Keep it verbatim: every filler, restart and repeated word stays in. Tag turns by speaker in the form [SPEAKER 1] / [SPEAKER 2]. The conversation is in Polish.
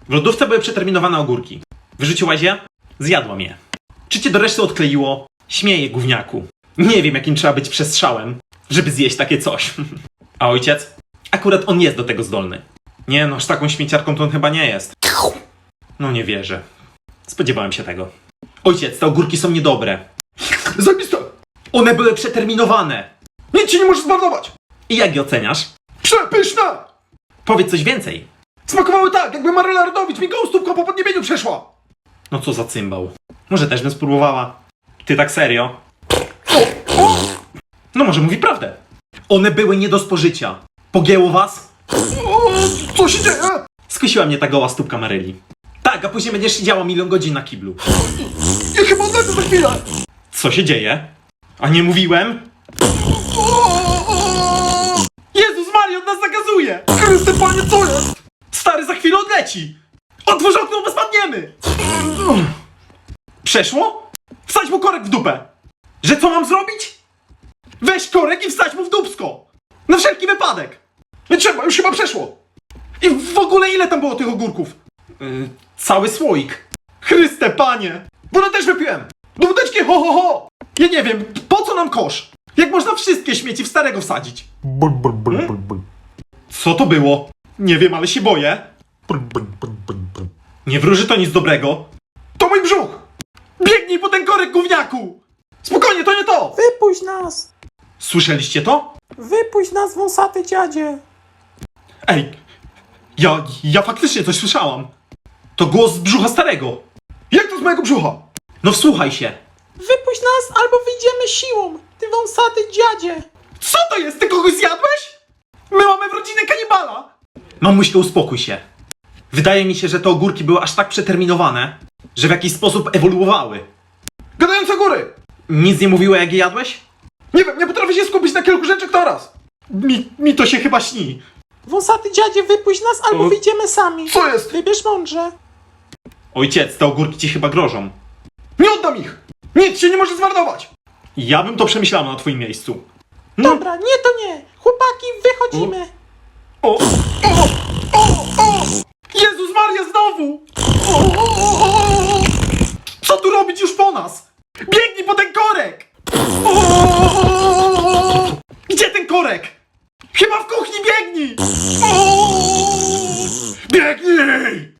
[SPEAKER 1] W lodówce były przeterminowane ogórki. Wyrzuciłaś je? Zjadłam je. Czy cię do reszty odkleiło? Śmieję, gówniaku. Nie wiem, jakim trzeba być przestrzałem, żeby zjeść takie coś. A ojciec? Akurat on jest do tego zdolny. Nie no, aż taką śmieciarką to on chyba nie jest. No nie wierzę. Spodziewałem się tego. Ojciec, te ogórki są niedobre.
[SPEAKER 2] Zajebiste!
[SPEAKER 1] One były przeterminowane.
[SPEAKER 2] Nic ci nie może zmarnować!
[SPEAKER 1] I jak je oceniasz?
[SPEAKER 2] Przepyszne!
[SPEAKER 1] Powiedz coś więcej.
[SPEAKER 2] Smakowały tak, jakby Maryla Rodowicz mi gołąstówką po podniebieniu przeszła!
[SPEAKER 1] No co za cymbał. Może też bym spróbowała. Ty tak serio? No może mówi prawdę. One były nie do spożycia. Pogięło was?
[SPEAKER 2] O, co się dzieje?
[SPEAKER 1] Skusiła mnie ta goła stópka Maryli. Tak, a później będziesz siedziała milion godzin na kiblu.
[SPEAKER 2] Ja chyba odlecę za chwilę!
[SPEAKER 1] Co się dzieje? A nie mówiłem? Jezus Maria, on nas zakazuje!
[SPEAKER 2] Chryste Panie, co jest?
[SPEAKER 1] Stary, za chwilę odleci! Otwórz okno, bo spadniemy! Przeszło? Wsadź mu korek w dupę! Że co mam zrobić? Weź korek i wsadź mu w dupsko! Na wszelki wypadek!
[SPEAKER 2] Nie trzeba, już chyba przeszło!
[SPEAKER 1] I w ogóle ile tam było tych ogórków? Yy, cały słoik. Chryste Panie!
[SPEAKER 2] Wodę też wypiłem! Do wódeczki, ho ho ho!
[SPEAKER 1] Ja nie wiem, po co nam kosz? Jak można wszystkie śmieci w starego wsadzić?
[SPEAKER 2] Bul, bul, bul, bul, bul.
[SPEAKER 1] Co to było? Nie wiem, ale się boję.
[SPEAKER 2] Bul, bul, bul, bul, bul.
[SPEAKER 1] Nie wróży to nic dobrego.
[SPEAKER 2] To mój brzuch!
[SPEAKER 1] Biegnij po ten korek, gówniaku!
[SPEAKER 2] Spokojnie, to nie to!
[SPEAKER 3] Wypuść nas!
[SPEAKER 1] Słyszeliście to?
[SPEAKER 3] Wypuść nas, wąsaty dziadzie!
[SPEAKER 1] Ej, ja, ja faktycznie coś słyszałam. To głos z brzucha starego.
[SPEAKER 2] Jak to z mojego brzucha?
[SPEAKER 1] No wsłuchaj się.
[SPEAKER 3] Wypuść nas, albo wyjdziemy siłą! Ty wąsaty dziadzie!
[SPEAKER 1] Co to jest? Ty kogoś zjadłeś? My mamy w rodzinie kanibala. Mamuśko, uspokój się. Wydaje mi się, że te ogórki były aż tak przeterminowane, że w jakiś sposób ewoluowały.
[SPEAKER 2] Gadające góry!
[SPEAKER 1] Nic nie mówiło, jak je jadłeś?
[SPEAKER 2] Nie wiem, nie potrafię się skupić na kilku rzeczach naraz!
[SPEAKER 1] Mi, mi to się chyba śni.
[SPEAKER 3] Wąsaty dziadzie, wypuść nas, albo
[SPEAKER 1] O.
[SPEAKER 3] wyjdziemy sami!
[SPEAKER 2] Co jest?
[SPEAKER 3] Wybierz mądrze!
[SPEAKER 1] Ojciec, te ogórki ci chyba grożą.
[SPEAKER 2] Nie oddam ich! Nic się nie może zmarnować!
[SPEAKER 1] Ja bym to przemyślała na twoim miejscu. No.
[SPEAKER 3] Dobra, nie to nie! Chłopaki, wychodzimy!
[SPEAKER 1] O,
[SPEAKER 2] O! O! O!
[SPEAKER 1] Jezus Maria, znowu!
[SPEAKER 2] O! O! O!
[SPEAKER 1] Co tu robić już po nas? Biegnij po ten korek!
[SPEAKER 2] O!
[SPEAKER 1] Gdzie ten korek? Chyba w kuchni, biegnij!
[SPEAKER 2] O! Biegnij!